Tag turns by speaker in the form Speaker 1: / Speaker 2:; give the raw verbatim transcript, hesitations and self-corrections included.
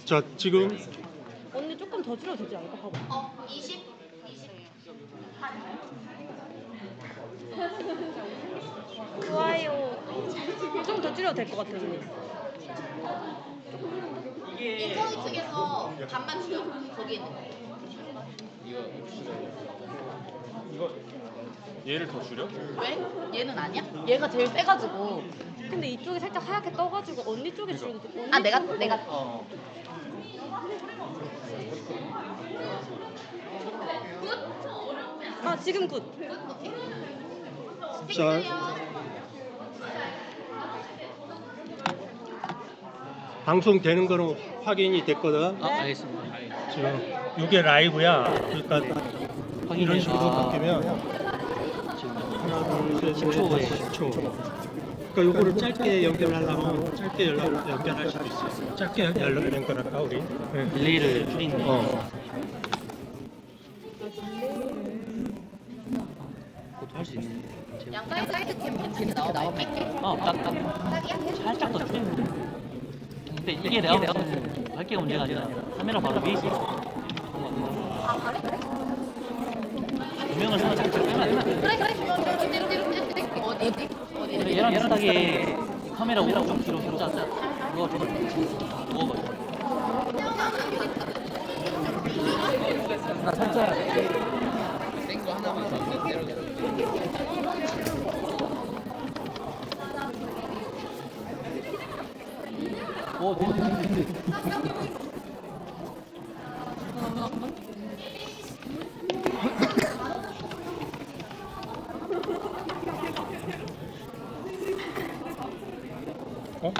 Speaker 1: 자, 지금
Speaker 2: 언니 조금 더 줄여도 되지 않을까? 봐봐.
Speaker 3: 어, 이십? 이십.
Speaker 2: 좋아요. 좀 더 줄여도 될 것 같아, 언니.
Speaker 3: 인성이 측에서 반만 줄여. 거기 있는 거.
Speaker 4: 이거 얘를 더 줄여?
Speaker 3: 왜? 얘는 아니야? 얘가 제일 세가지고.
Speaker 2: 근데 이쪽이 살짝 하얗게 떠가지고 언니 쪽에 줄여도 돼. 언니
Speaker 3: 아, 내가,
Speaker 2: 쪽으로.
Speaker 3: 내가.
Speaker 4: 어.
Speaker 2: 아, 지금 굿.
Speaker 1: 자, 방송되는 거는 확인이 됐거든.
Speaker 5: 아, 알겠습니다.
Speaker 1: 지금 이게 라이브야. 그러니까 이런 식으로
Speaker 5: 아.
Speaker 1: 바뀌면 하나, 둘, 셋, 넷, 다섯, 십 초. 그러니까 요거를 짧게 연결하려면 짧게 연락, 연결할 수도 있어. 짧게 연락 연결할까 우리? 네.
Speaker 5: 딜레이를 줄이는 거.
Speaker 1: 어.
Speaker 5: 그것도 할 수 있는데. 제가-
Speaker 3: 양가의 사이드 캠 괜찮게 나와. 뺄게.
Speaker 5: 어, 딱, 딱. 살짝 더 줄이면 돼. 근데 이게 내가 무슨 밝기가 문제가 아니라 카메라 바로 위에 있어.
Speaker 3: 아, 그래?
Speaker 5: 조명을 살짝 빼면 안 돼.
Speaker 3: 그래, 그래. 뒤로, 뒤로, 뒤로, 뒤로. 어디, 어디? 어디?
Speaker 5: 근데 얘랑 비슷하게 카메라 오른쪽 뒤로 뒤로 짜자. 그거 좀 누워봐. 나 살짝 센거 하나만 더 내려줘. 오, 네, 네, 네.
Speaker 1: 어?